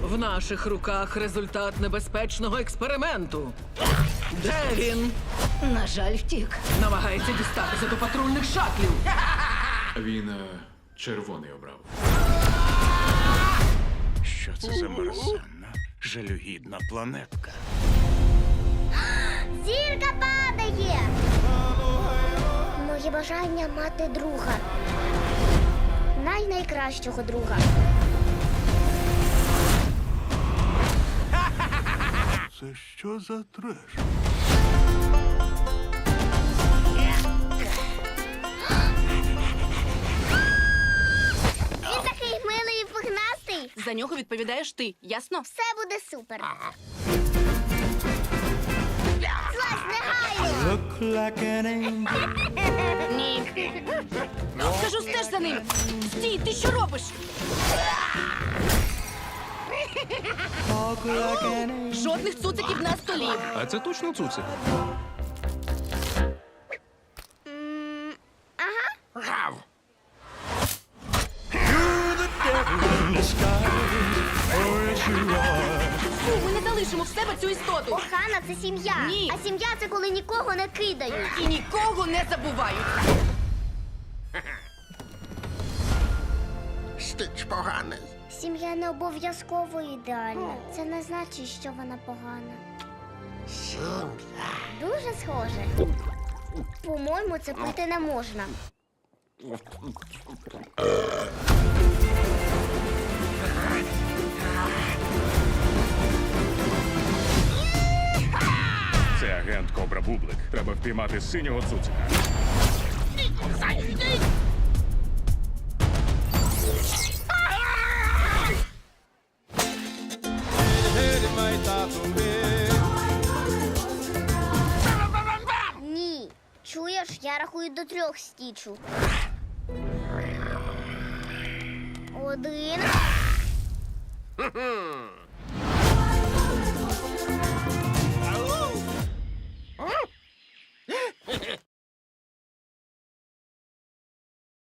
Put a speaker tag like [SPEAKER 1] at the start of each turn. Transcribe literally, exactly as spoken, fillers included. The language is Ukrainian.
[SPEAKER 1] В наших руках результат небезпечного експерименту. Де він?
[SPEAKER 2] На жаль, втік.
[SPEAKER 1] Намагається дістатися до патрульних шатлів.
[SPEAKER 3] Він е, червоний обрав.
[SPEAKER 4] Що це за мерзенна, жалюгідна планетка?
[SPEAKER 5] Зірка падає! Моє бажання мати друга. Най-найкращого друга.
[SPEAKER 4] Це що за треш?
[SPEAKER 5] Він такий милий і пухнастий.
[SPEAKER 2] За нього відповідаєш ти, ясно?
[SPEAKER 5] Все буде супер. Злазь негайно!
[SPEAKER 2] Ні. Скажу, стеж за ним. Стій, ти що робиш? Жодних цуциків на столі.
[SPEAKER 3] А це точно цуцик?
[SPEAKER 2] Фу, ми не залишимо в себе цю істоту.
[SPEAKER 5] Охана – це сім'я.
[SPEAKER 2] Ні.
[SPEAKER 5] А сім'я – це коли нікого не кидають.
[SPEAKER 2] І нікого не забувають.
[SPEAKER 6] Стич поганий.
[SPEAKER 5] Сім'я не обов'язково ідеальна. Це не значить, що вона погана.
[SPEAKER 6] Сім'я.
[SPEAKER 5] Дуже схоже. По-моєму, це пити не можна.
[SPEAKER 4] Це агент Кобра Бублик. Треба впіймати синього цуцика.
[SPEAKER 5] Ні. Чуєш, я рахую до трьох, Стічу. Один.